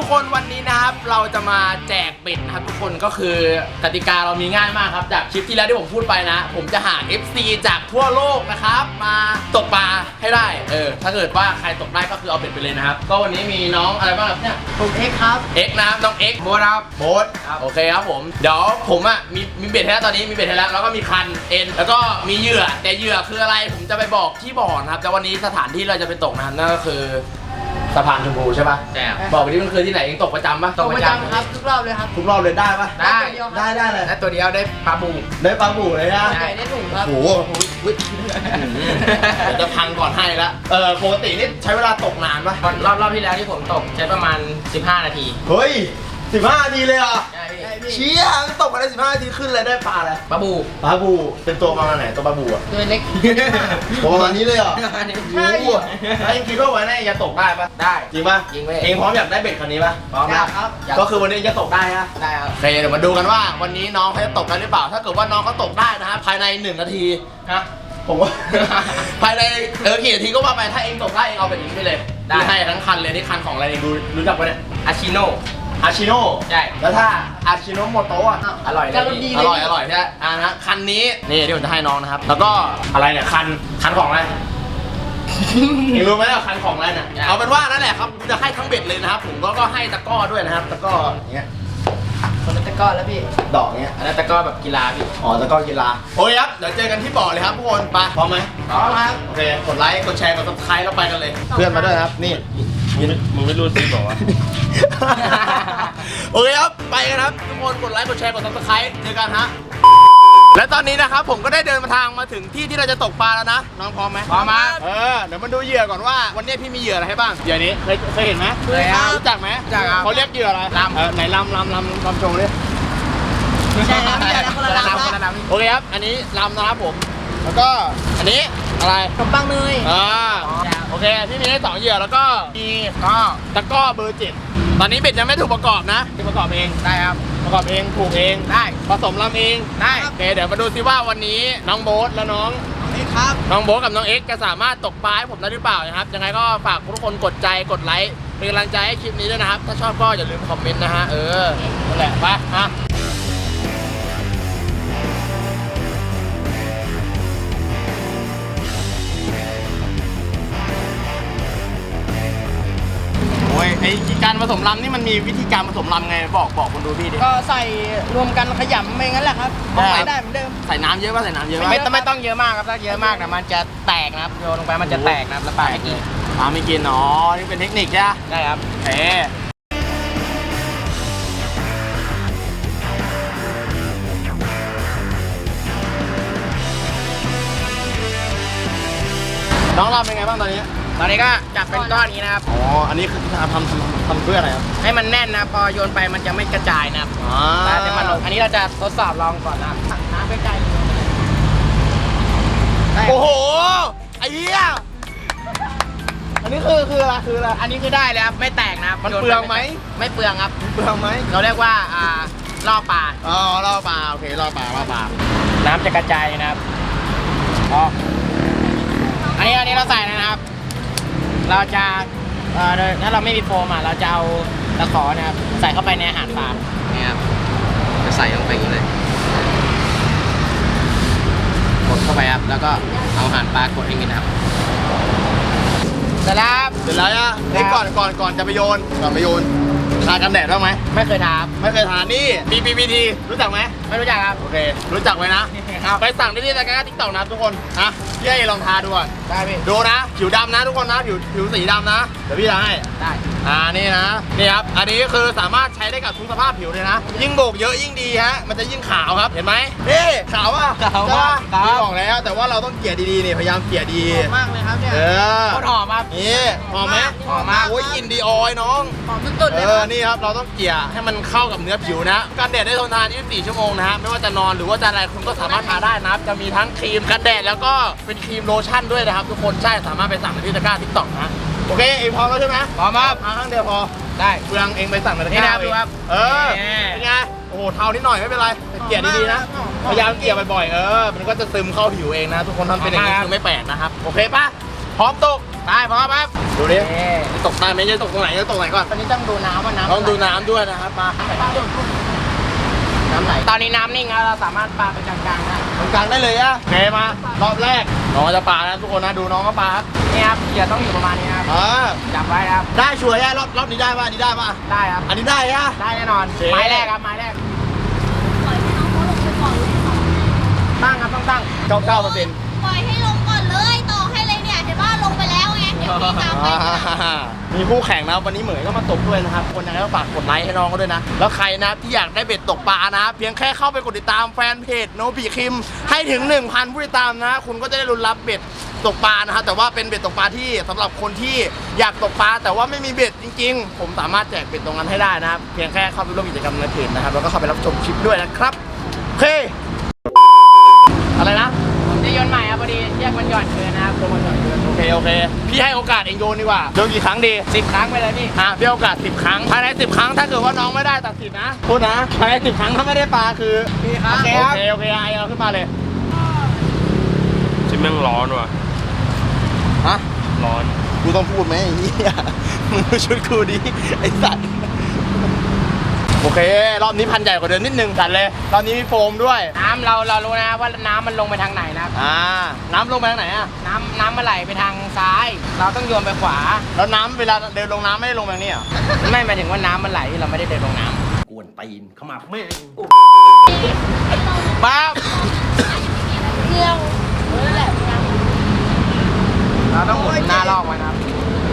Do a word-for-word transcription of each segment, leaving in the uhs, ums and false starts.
ทุกคนวันนี้นะครับเราจะมาแจกเบ็ดนะครับทุกคนก็คือกติกาเรามีง่ายมากครับจากคลิปที่แล้วที่ผมพูดไปนะผมจะหา เอฟ ซี จากทั่วโลกนะครับมาตกปลาให้ได้เออถ้าเกิดว่าใครตกได้ก็คือเอาเบ็ดไปเลยนะครับก็วันนี้มีน้องอะไรบ้างครับเนี่ยผมเอ็กครับเอ็กนะครับน้องเอ็กโบ๊ทครับโบ๊ทโอเคครับผมเดี๋ยวผมอ่ะมีมีเบ็ดให้แล้วตอนนี้มีเบ็ดให้แล้วแล้วก็มีคันเอ็นแล้วก็มีเหยื่อแต่เหยื่อคืออะไรผมจะไปบอกที่บ่อนะครับแต่วันนี้สถานที่เราจะไปตกนะครับนั่นก็คือสะพานชมพูใช่ป่ะใช่บอกไปที่มันคือที่ไหนเองตกประจำป่ะตกประจำครับทุกรอบเลยครับทุกรอบเลยได้ป่ะได้ได้ได้เลยได้ตัวเดียวได้ปลาบูได้ปลาบูเลยนะได้ได้ถุงครับโอ้โหเดี๋ยวจะพังก่อนให้ละเออปกตินี่ใช้เวลาตกนานป่ะรอบรอบที่แล้วที่ผมตกใช้ประมาณสิบห้านาทีเฮ้ยสิบห้านาทีเลยเหรอใช่พี่เชี่ยตกมาได้สิบห้านาทีขึ้นเลยได้ปลาอะไรปลาบูปลาบูเป็นตัวประมาณไหนตัวปลาบูอ่ะตัวเล็กตัวประมาณนี้เลยเหรอใช่ไอ้คิดว่าวันนี้จะตกได้ป่ะได้จริงป่ะจริงเว้ยเองพร้อมอยากได้เบ็ดคันนี้ป่ะพร้อมครับก็คือวันนี้จะตกได้ฮะได้ครับโอเคเดี๋ยวมาดูกันว่าวันนี้น้องเขาจะตกได้หรือเปล่าถ้าเกิดว่าน้องเขาตกได้นะครับภายในหนึ่งนาทีฮะผมว่า ภายในเออกี่นาทีก็ว่าไปถ้าเองตกได้เองเอาไปทิ้งไปเลยได้ให้ทั้งคันเลยนี่คันของอะไรเองดูรู้จักปะเนี่ยอาชิโน่อาชิโน่ใช่แล้วถ้าอาชิโน่โมโตะอร่อยเลยอร่อยอร่อยใช่ไหมอ่านะคันนี้นี่ที่ผมจะให้น้องนะครับแล้วก็อะไรเนี่ยคันคันของอะไรเองรู้ไหมว่าคันของอะไรเนี่ยเอาเป็นว่านั่นแหละครับจะให้ทั้งเบ็ดเลยนะครับผมก็ก็ให้ตะก้อด้วยนะครับตะก้ออย่างเงี้ยคนละตะก้อแล้วพี่ดอกเงี้ยอันนั้นตะก้อแบบกีฬาพี่อ๋อตะก้อกีฬาโอ้ยครับเดี๋ยวเจอกันที่บ่อเลยครับทุกคนไปพร้อมไหมพร้อมครับโอเคกดไลค์กดแชร์กดซับสไครต์แล้วไปกันเลยเพื่อนมาด้วยครับนี่มึงไม่รู้สิบอกว่าโอเคครับไปกันครับทุกคนกดไลค์กดแชร์กดซับสไครต์เจอกันฮะและตอนนี้นะครับผมก็ได้เดินมาทางมาถึงที่ที่เราจะตกปลาแล้วนะน้องพร้อมไหมพร้อมมาเออเดี๋ยวมาดูเหยื่อก่อนว่าวันนี้พี่มีเหยื่ออะไรให้บ้างเหยื่อนี้เคยเคยเห็นไหมเคยครับรู้จักไหมรู้จักครับเขาเรียกเหยื่ออะไรลำเออไหนลำลำลำลำโชว์ดิไม่ใช่นะไม่ใช่นะคนละลำคนละลำโอเคครับอันนี้ลำนะครับผมแล้วก็อันนี้อะไรขนมปังเนยอ่าโอเคพี่มีให้สองเหยื่อแล้วก็มีก็ตะก้อเบอร์เจ็ดตอนนี้เบ็ดยังไม่ถูกประกอบนะที่ประกอบเองได้ครับประกอบเองผูกเองได้ผสมลำเองได้โอเคเดี๋ยวมาดูซิว่าวันนี้น้องโบ๊ทและน้องเอ็กครับน้องโบ๊ทกับน้องเอ็กจะสามารถตกปลาให้ผมได้หรือเปล่านะครับยังไงก็ฝากทุกคนกดใจกดไลค์เป็นกำลังใจให้คลิปนี้ด้วยนะครับถ้าชอบก็อย่าลืมคอมเมนต์นะฮะเออนั่นแหละไปฮะโอ้ยไอ้การผสมลำนี่มันมีวิธีการผสมลำไงบอกบอกคนดูพี่ดิก็ใส่รวมกันขยำไปงั้นแหละครับใส่ได้เหมือนเดิมใส่น้ำเยอะป่ะใส่น้ำเยอะป่ะไม่ต้องไม่ต้องเยอะมากครับถ้าเยอะมากนะมันจะแตกนะครับโยนลงไปมันจะแตกนะครับแล้วปลาไม่กินปลาไม่กินอ๋อนี่เป็นเทคนิคใช่ไหมได้ครับเอ๊น้องลำเป็นไงบ้างตอนนี้ตอนนี้ก็จับเป็นก้อนนี้นะครับอ๋ออันนี้คือทำทำทำทำเพื่ออะไรครับให้มันแน่นนะพอโยนไปมันจะไม่กระจายนะครับอ๋อแต่มันลงอันนี้เราจะทดสอบลองก่อนนะน้ำไปไกลโอ้โหไอ้เหี้ยอันนี้คือคืออะไรคืออะไรอันนี้คือได้เลยครับไม่แตกนะครับมันเปลืองไหมไม่เปลืองครับเปลืองไหมเราเรียกว่าอ่าล่อปลาอ๋อล่อปลาโอเคล่อปลาล่อปลาน้ำจะกระจายนะครับอ๋ออันนี้อันนี้เราใส่นะครับเราจะเอ่อถ้าเราไม่มีโฟมอ่ะเราจะเอาตะขอนะครับใส่เข้าไปในอาหารปลาเนี่ยครับจะใส่ลงไปอย่างนี้เลยกดเข้าไปครับแล้วก็เอาอาหารปลากดอย่างนี้นะครับเสร็จแล้วเสร็จแล้วนะนี่ก่อนก่อนก่อนจะไปโยนก่อนไปโยนทากันแดดบ้างไหมไม่เคยทาไม่เคยทานี่ บี บี บี ที รู้จักไหมไม่รู้จักครับโอเครู้จักไว้นะไปสั่งได้ที่รายการติ๊กต็อกนะทุกคนนะพี่ให้ลองทาดูก่อนได้พี่ดูนะผิวดำนะทุกคนนะผิวผิวสีดำนะเดี๋ยวพี่ทาให้ได้อ่านี่นะนี่ครับอันนี้คือสามารถใช้ได้กับทุกสภาพผิวเลยนะยิ่งโบกเยอะยิ่งดีฮะมันจะยิ่งขาวครับเห็นไหมนี่ขาวอ่ะขาวมากพี่บอกแล้วแต่ว่าเราต้องเกลี่ยดีๆนี่พยายามเกลี่ยดีมากเลยครับเนี่ยเออโคตรหอมครับนี่หอมไหมหอมมากโอ้ยกลิ่นดีออยน้องหอมสุดๆเลยเออนี่ครับเราต้องเกลี่ยให้มันเข้ากับเนื้อผิวนะกันแดดได้ทนทานยี่สิบสี่ชั่วโมงนะฮะไม่ว่าจะนอนหรือว่าจะอะไรคุณก็สามารถทาได้นะครับจะมีทั้งครีมกันแดดแล้วก็เป็นครีมโลชั่นด้วยนะครับทุกคนใช่สามารถไปสั่งในที่ตะกร้าทิกตอกนะโอเคเองพร้อมแล้วใช่ไหมพร้อมครับข้างเดียวพอได้เปลืองเองไปสั่งในตะกร้าดูครับเออเป็นไงโอ้โหเทานิดหน่อยไม่เป็นไรเกลี่ยดีๆนะพยายามเกลี่ยบ่อยๆเออมันก็จะซึมเข้าผิวเองนะทุกคนทำเป็นอย่างนี้คือไม่แปลกนะครับโอเคป่ะพร้อมตกไปพร้อมครับดูดิตกได้ไหมจะตกตรงไหนจะตกไหนก่อนตอนนี้ต้องดูน้ำว่าน้ำต้องดูน้ำด้วยนะครับมาน้ำไหนตอนนี้น้ำนิ่งแล้วเราสามารถปลาไปกลางๆได้ตรงกลางได้เลยอะโอเคมารอบแรกน้องจะปลานะทุกคนนะดูน้องก็ปลาครับนี่ครับเหยื่อต้องอยู่ประมาณนี้ครับอ่าจับไว้ครับได้ชัวร์แย่รอบรอบนี้ได้ป่ะอันนี้ได้ป่ะได้ครับอันนี้ได้อะได้แน่นอนโอเคไม้แรกครับไม้แรกปล่อยให้น้องเขาลงไปก่อนเลยตั้งครับต้องตั้งเก้าเก้าเปอร์เซ็นต์ปล่อยให้ลงก่อนเลยต่อให้เลยเนี่ยเห็นว่าลงไปแล้วไงเดี๋ยวพี่ตามไปมีคู่แข่งนะวันนี้เหมยก็มาตกด้วยนะครับคนยังไงก็ฝากกดไลค์ให้น้องเขาด้วยนะแล้วใครนะที่อยากได้เบ็ดตกปลานะเพียงแค่เข้าไปกดติดตามแฟนเพจโนบิคิมให้ถึง หนึ่งพัน ผู้ติดตามนะคุณก็จะได้ลุ้นรับเบ็ดตกปลานะครับแต่ว่าเป็นเบ็ดตกปลาที่สำหรับคนที่อยากตกปลาแต่ว่าไม่มีเบ็ดจริงๆผมสามารถแจกเบ็ดตรงนั้นให้ได้นะครับเพียงแค่เข้าไปร่วมกิจกรรมในเพจนะครับแล้วก็เข้าไปรับชมคลิปด้วยนะครับโอเคอะไรนะผมจะโยนใหม่ครับพอดีเชือกมันหย่อนเกินนะครับตัวมันหย่อนเกินโอเคโอเคพี่ให้โอกาสเองโยนดีกว่าโยนกี่ครั้งดีสิบครั้งไปเลยพี่อ่ะพี่ให้โอกาสสิบครั้งภายในสิบครั้งถ้าเกิดว่าน้องไม่ได้ตัดสินนะพูดนะภายในสิบครั้งถ้าไม่ได้ปลาคือพี่ครับโอเคโอโอเคเคโอเคไอเอาขึ้นมาเลยชิมแม่งร้อนว่ะฮะร้อนกูต้องพูดไหมไอ้เหี้ยมึงดูชุดกูดิไอ้สัตว์โอเครอบนี้พันใหญ่กว่าเดิมนิดนึงจัดเลยรอบนี้มีโฟมด้วยน้ำเราเรารู้นะครับว่าน้ำมันลงไปทางไหนนะครับอ่าน้ำลงไปทางไหนอ่ะน้ำน้ำมันไหลไปทางซ้าย เราต้องโยนไปขวาแล้วน้ำเวลาเดินลงน้ำไม่ได้ลงแบบนี้เหรอไม่หมายถึงว่าน้ำมันไหลเราไม่ได้เดินลงน้กวนตีนเข้ามาไม่ปั๊บเรื่องนั่นแหละนะเราต้องหมุนหน้าลอกไว้นะครับ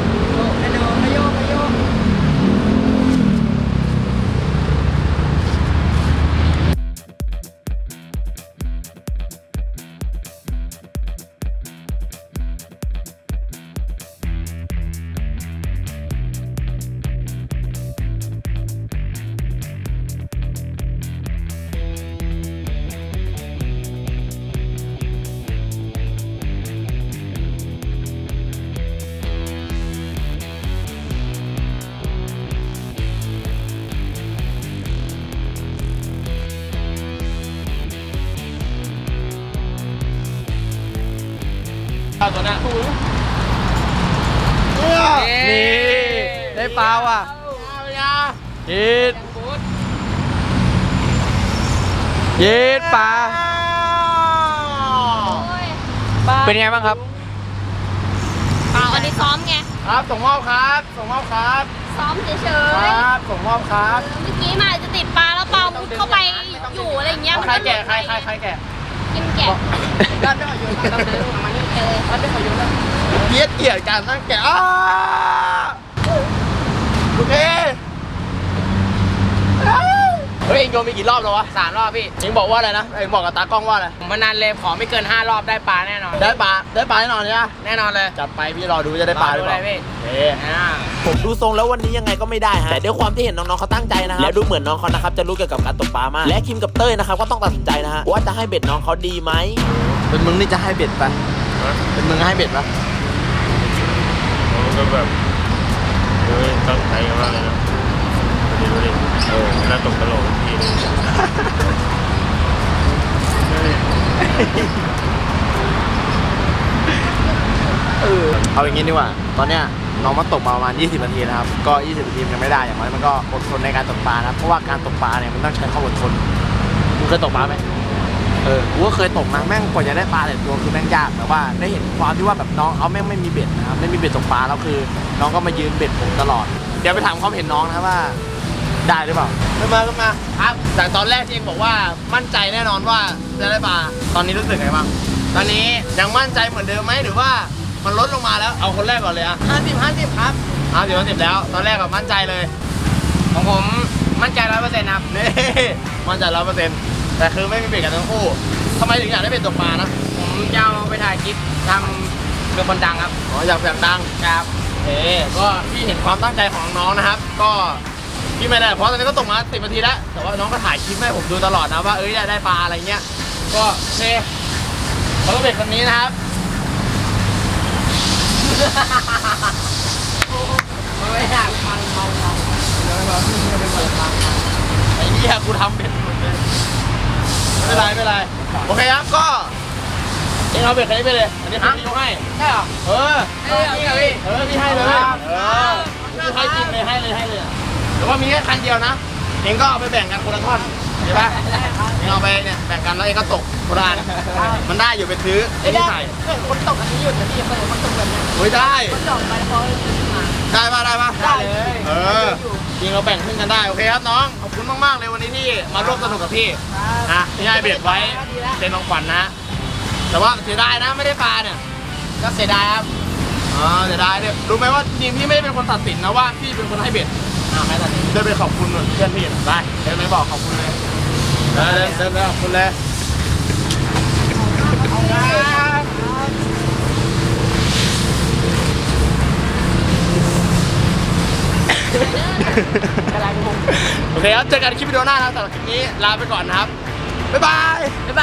เอาตัวหน้าคู่นี่ได้ปลาว่ะยีดยีดปลาเป็นไงบ้างครับเอาอันนี้ซ้อมไงครับส่งมอบครับส่งมอบครับซ้อมเฉยครับส่งมอบครับๆเมื่อกี้มาจะติดปลาแล้วปลามุดเข้าไปอยู่อะไรอย่างเงี้ยมันใครก็แก่ใครใครใครแก่กินแกะด้านไม่ขอโยนด้านไม่ขอมานี่เออด้านไม่ขอโยนแล้วเกลียดเกลียดการตั้งแก่อ้าโอเคเฮ้ยเองโยนไปกี่รอบแล้ววะสามรอบพี่เองบอกว่าอะไรนะเองบอกกับตากล้องว่าอะไรผมมานานเลยขอไม่เกินห้ารอบได้ปลาแน่นอนได้ปลาได้ปลาแน่นอนใช่ไหมแน่นอนเลยจัดไปพี่รอดูจะได้ปลาหรือเปล่าดูเลยพี่โอเคอ่าผมดูทรงแล้ววันนี้ยังไงก็ไม่ได้ฮะแต่ด้วยความที่เห็นน้องๆเขาตั้งใจนะครับแล้วดูเหมือนน้องเขานะครับจะรู้เกี่ยวกับการตกปลามากและคิมกับเต้ยนะครับก็ต้องตัดสินใจนะฮะว่าจะให้เบ็ดน้องเขาดีไหมเป็นมึงนี่จะให้เบ็ดปะเป็นมึงให้เบ็ดปะมันก็แบบเฮ้ยตั้งใจมากเลยนะดูดิดูดิเออน่าตกตลกทีนึงเออเอาอย่างงี้ดีกว่าตอนเนี้ยน้องมาตกมาประมาณยี่สิบนาทีนะครับก็ยี่สิบนาทียังไม่ได้อย่างน้อยมันก็อดทนในการตกปลานะเพราะว่าการตกปลาเนี่ยมันต้องใช้ความอดทนมึงเคยตกปลาไหมเออกูก็เคยตกนะแม่งกว่าจะได้ปลาแต่ตัวคือแม่งยากแต่ว่าได้เห็นความที่ว่าแบบน้องเขาแม่งไม่มีเบ็ดนะครับไม่มีเบ็ดตกปลาแล้วคือ น้องก็มายืนเบ็ดผมตลอดเดี๋ยวไปถามความเห็นน้องนะครับว่าได้หรือเปล่าขึ้นมาขึ้นมาครับจากตอนแรกที่เองบอกว่ามั่นใจแน่นอนว่าจะได้ปลาตอนนี้รู้สึกไงบ้างตอนนี้ยังมั่นใจเหมือนเดิมไหมหรือว่ามันลดลงมาแล้วเอาคนแรกก่อนเลยอะห้าสิบห้าสิบครับห้าสิบห้าสิบแล้ว ตอนแรกแบบมั่นใจเลยของผมมั่นใจร้อยเปอร์เซ็นต์ครับนี่มั่นใจร้อยเปอร์เซ็นต์แต่คือไม่มีเบ็ดกันทั้งคู่ทำไมถึงอยากได้เบ็ดตกปลานะผมจะเอาไปถ่ายคลิปทำเป็นคนดังครับอ๋ออยากอยากดังครับเอ๊ก็พี่เห็นความตั้งใจของน้องนะครับ ก็พี่ไม่ได้เพราะตอนนี้ก็ตกมาสิบนาทีแล้วแต่ว่าน้องก็ถ่ายคลิปให้ผมดูตลอดนะว่าเอ้ยได้ได้ปลาอะไรเงี้ยก็โอเคเขาก็เบ็ดคนนี้นะครับไม่อยากฟังเมาเมาไอ้เหี้ยกูทำเบ็ดหมดเลยไม่เป็นไรไม่เป็นไรโอเคครับก็เอนี่เอาเบ็ดคันนี้ไปเลยอันนี้พี่ยกให้ใช่เหรอเออเอ้ยนี่เหรอพี่เออพี่ให้เลยเออพี่ให้จริงเลยให้เลยให้เลยแต่ว่ามีแค่คันเดียวนะเองก็เอาไปแบ่งกันคนละท่อนเห็นปะเองเอาไปเนี่ยแบ่งกันแล้วเองก็ตกคนละอันมันได้อยู่ไปซื้อไอ้นี่ใส่เกิดคนตกอันนี้หยุดนะพี่เกิดคนตกแบบเนี้ยโอ้ยได้คนตกไปพอมาได้ปะได้ปะได้เลยเออจริงเราแบ่งครึ่งกันได้โอเคครับน้องขอบคุณมากๆเลยวันนี้ที่มาร่วมสนุกกับพี่นะพี่ให้เบ็ดไว้เป็นของขวัญนะ แต่ว่าเสียดายนะไม่ได้ปลาเนี่ยก็เสียดายครับอ๋อเสียดายเนี่ยรู้ไหมว่าจริงๆพี่ไม่ได้เป็นคนตัดสินนะว่าพี่เป็นคนให้เบ็ดอ้าวไม่ตัดสินเดินไปขอบคุณเพื่อนพี่หน่อยได้เดินไปบอกขอบคุณเลยเดินเดินเดินไปขอบคุณเลยโอเคครับเจอกันคลิปวิดีโอหน้านะครับสำหรับคลิปนี้ลาไปก่อนนะครับบ๊ายบายบ๊ายบ